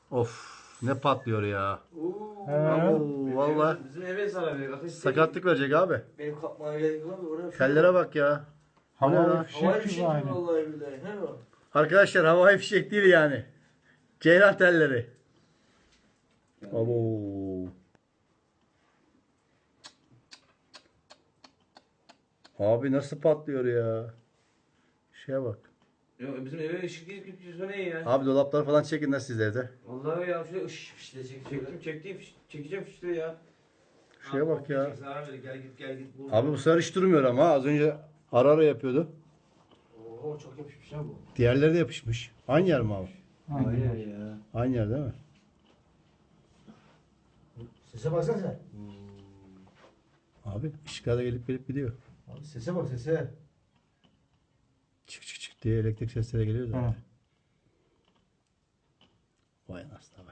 Of ne patlıyor ya. He. Vallahi Bizim eve zarar veriyor. Ateş sakatlık verecek abi. Benim kapmaya gerek var mı? Oraya Tellere bak ya. O ne Havai lan? fişek Havai gibi fişek gibi aynı. vallahi billahi. He mi? Arkadaşlar havai fişek değil yani. Ceylan telleri. Abo. Abi nasıl patlıyor ya? Şeye bak. Ya bizim eve ışık değil ki ne ya? Abi dolapları falan çekin de siz evde. Vallahi ya şöyle ışık fişle çektim çekeceğim fişle ya. Şuraya bak ya. Zarar ver gel git. Abi bu sefer hiç durmuyor ama az önce ara ara yapıyordu. Oo çok yapışmış ha bu. Diğerleri de yapışmış. Aynı yer mi abi? Aynen. ya. Aynı yer değil mi? Sese baksana sen. Abi ışıklar da gelip gidiyor. Abi sese bak sese. Çık çık çık diye elektrik sesleri geliyor zaten. Ha. Vay anasını be.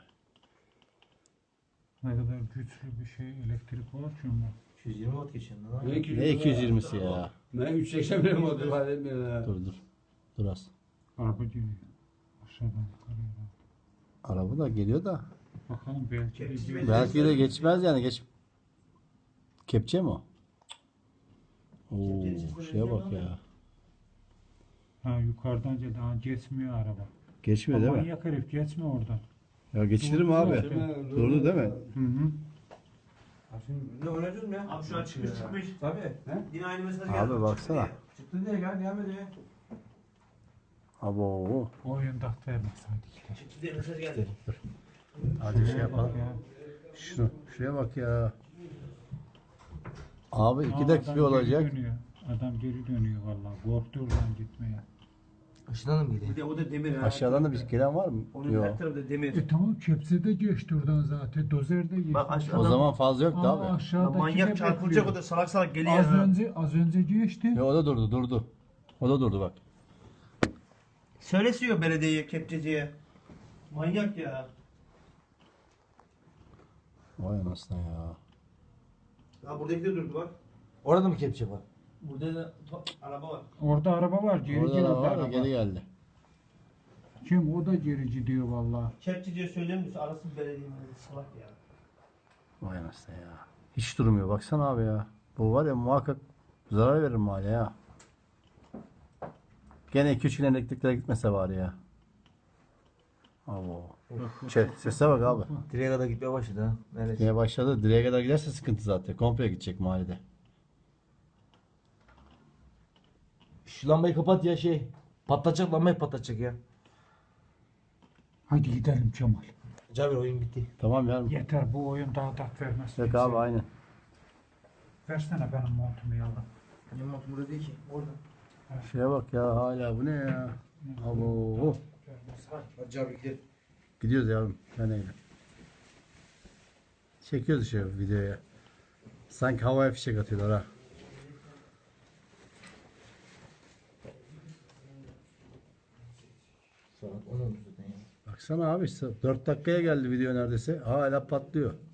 Ne kadar güçlü bir şey elektrik olur ki mu? 220 watt geçiyor lan. Ne 220'si ya? Ben 380 benim oldu ifade etmiyor ya. Dur. Dur az. Araba geliyor. Aşağıdan yukarıya. Araba da geliyor da. Bakalım belki de gidiyor. Belki de geçmez yani geç. Kepçe mi o? Oo, şeye bak ya. Ha yukarıdan geldi. Ha geçmiyor araba. Geçmiyor değil mi? Manyak herif geçme oradan. Ya geçilir mi abi? Durdu değil mi? Hı hı. Ne oynadın mı ya? Abi şu an çıkmış. Tabii. Yine aynı mesaj geldi. Abi baksana. Çıktı diye gel devam ediyor. Abo. O oyunda vermeseydik de. Çıktı diye mesaj geldi. Hadi şey Bak yapalım. ya. Şuraya bak ya. Abi 2 Aa, dakika adam geri olacak. dönüyor. Adam geri dönüyor vallahi. Korktu oradan gitmeye. Işından mı Bir geliyor? de o da demir ha. Aşağıdan da bir gelen var mı? Onun Yok. her tarafı da demir. Tamam kepse de geçti oradan zaten. Dozer de geçti. Bak aşağıdan. O zaman fazla yoktu Aa, abi. aşağıdaki de Manyak çarpılacak bekliyor. o da salak salak geliyor. Az önce geçti. Ya o da durdu. O da durdu bak. Söylesiyor belediyeye, kepçeciye. Manyak ya. Vay anasını ya. Ha buradaki de durdu bak. Orada mı kepçe var? Burada da araba var. Orada araba var. Geri Orada geldi da var ya araba. geri geldi. Kim? O da gerici diyor vallahi. Kepçeciye söylemiyorsa arasın belediyenin salak ya. Vay anasını ya. Hiç durmuyor. Baksana abi ya. Bu var ya muhakkak zarar verir mahalleye ya. Gene 2-3 gün elektriklere gitmese var ya. Abo. Sese bak abi. Direğe kadar gitmeye başladı ha. Neresi? Gitmeye başladı. Direğe kadar giderse sıkıntı zaten. Komple gidecek mahallede. Şu lambayı kapat ya şey. Patlatacak lambayı patlatacak ya. Hadi gidelim Kemal. Cabir oyun bitti. Tamam ya. Yeter bu oyun daha da vermez. Yok abi aynen. Versene benim montumu yavrum. Benim motum burada değil ki. Orada. Şeye bak ya hala bu ne ya? Abo. Hadi Cabir gidelim. Gidiyoruz yavrum. Ben öyle. Çekiyoruz şu videoya. Sanki havaya fişek atıyorlar ha. Saat 10 oldu zaten ya. Baksana abi 4 dakikaya geldi video neredeyse. Hala patlıyor.